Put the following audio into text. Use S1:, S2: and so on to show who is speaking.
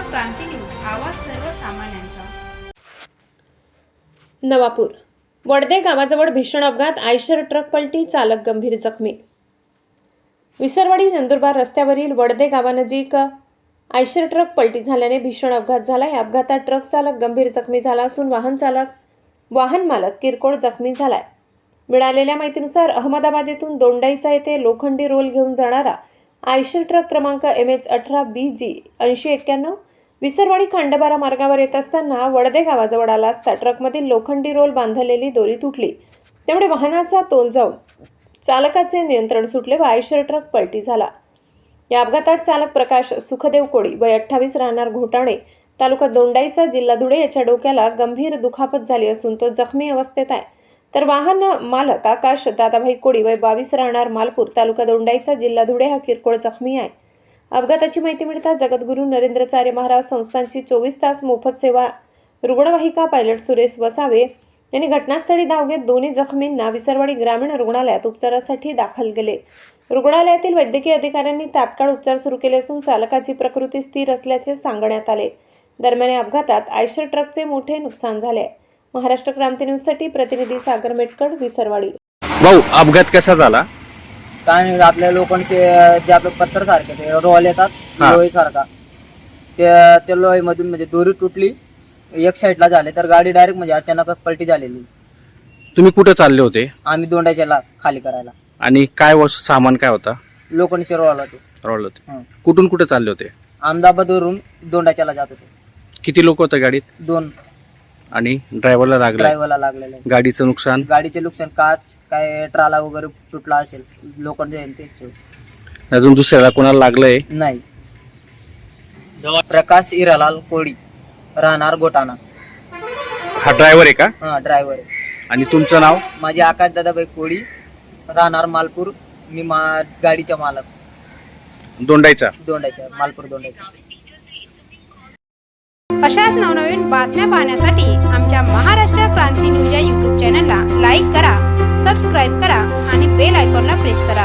S1: क्रांती news, आवाज सर्वसामान्यांचा।
S2: नवापूर वडदे गावाजवळ भीषण अपघात, आयशर ट्रक पलटी, चालक गंभीर जखमी। विसरवाडी नंदुरबार रस्त्यावरील वडदे गावानजीक आयशर ट्रक पलटी झाल्याने भीषण अपघात झाला। या अपघातात ट्रक चालक गंभीर जखमी झाला असून वाहन मालक किरकोळ जखमी झालाय। मिळालेल्या माहितीनुसार अहमदाबाद येथून दोंडाईचा येथे लोखंडी रोल घेऊन जाणारा आयशर ट्रक क्रमांक MH18BG 8091 विसरवाडी खांडबारा मार्गावर येत असताना वडदे गावाजवळ आला असता ट्रकमधील लोखंडी रोल बांधलेली दोरी तुटली। त्यामुळे वाहनाचा तोल जाऊन चालकाचे नियंत्रण सुटले व आयशर ट्रक पलटी झाला। या अपघातात चालक प्रकाश सुखदेव कोळी वय 28 राहणार घोटाणे, तालुका दोंडाईचा, जिल्हा धुळे याच्या डोक्याला गंभीर दुखापत झाली असून तो जखमी अवस्थेत आहे। तर वाहन मालक आकाश दादाभाई कोळी वय 22 राहणार मालपूर, तालुका दोंडाईचा, जिल्हा धुळे हा किरकोळ जखमी आहे। अपघाताची माहिती मिळताच जगद्गुरू नरेंद्राचार्य महाराज संस्थानची 24 तास मोफत सेवा रुग्णवाहिका पायलट सुरेश वसावे यांनी घटनास्थळी धाव घेत दोन्ही जखमींना विसरवाडी ग्रामीण रुग्णालयात उपचारासाठी दाखल केले। रुग्णालयातील वैद्यकीय अधिकाऱ्यांनी तात्काळ उपचार सुरू केले असून चालकाची प्रकृती स्थिर असल्याचे सांगण्यात आले। दरम्यान या अपघातात आयशर ट्रकचे मोठे नुकसान झाले। महाराष्ट्र क्रांती न्यूज साठी प्रतिनिधी सागर मेटकड, विसरवाडी।
S3: भाऊ, अपघात कसा झाला?
S4: काय नाही, आपल्या लोकांचे जे आपले पत्थर सारखे ते रोल येतात लोही सारखा, त्या लोही मधून म्हणजे दोरी तुटली, एक साईडला झाले तर गाडी डायरेक्ट म्हणजे अचानक पलटी झालेली।
S3: तुम्ही कुठे चालले होते?
S4: आम्ही दोंडाच्याला खाली करायला।
S3: आणि काय सामान काय होता?
S4: लोखंडचे रोल होते।
S3: रोल होते। कुठून कुठे चालले होते?
S4: अहमदाबादवरून दोंडाच्याला जात होते।
S3: किती लोक होते गाडीत?
S4: 2।
S3: आणि ड्रायव्हरला
S4: लागलेले।
S3: गाडीचं नुकसान?
S4: गाडीचे नुकसान, काच काय ट्राला वगैरे तुटला असेल, लोखंड
S3: अजून दुसऱ्याला कोणाला लागलंय?
S4: नाही। प्रकाश हिरालाल कोळी राहणार घोटाणा,
S3: हा ड्रायव्हर आहे का?
S4: हा ड्रायव्हर आहे।
S3: आणि तुमचं नाव?
S4: माझे आकाश दादाभाई कोळी, राहणार मालपूर, मी गाडीचा मालक,
S3: दोंडाईचा
S4: मालपूर दोंडाईचा।
S1: अशाच नवनवीन बातम्या पाहण्यासाठी आमच्या महाराष्ट्र क्रांती न्यूज या YouTube चॅनलला लाईक करा, सबस्क्राईब करा आणि बेल आयकॉनला प्रेस करा।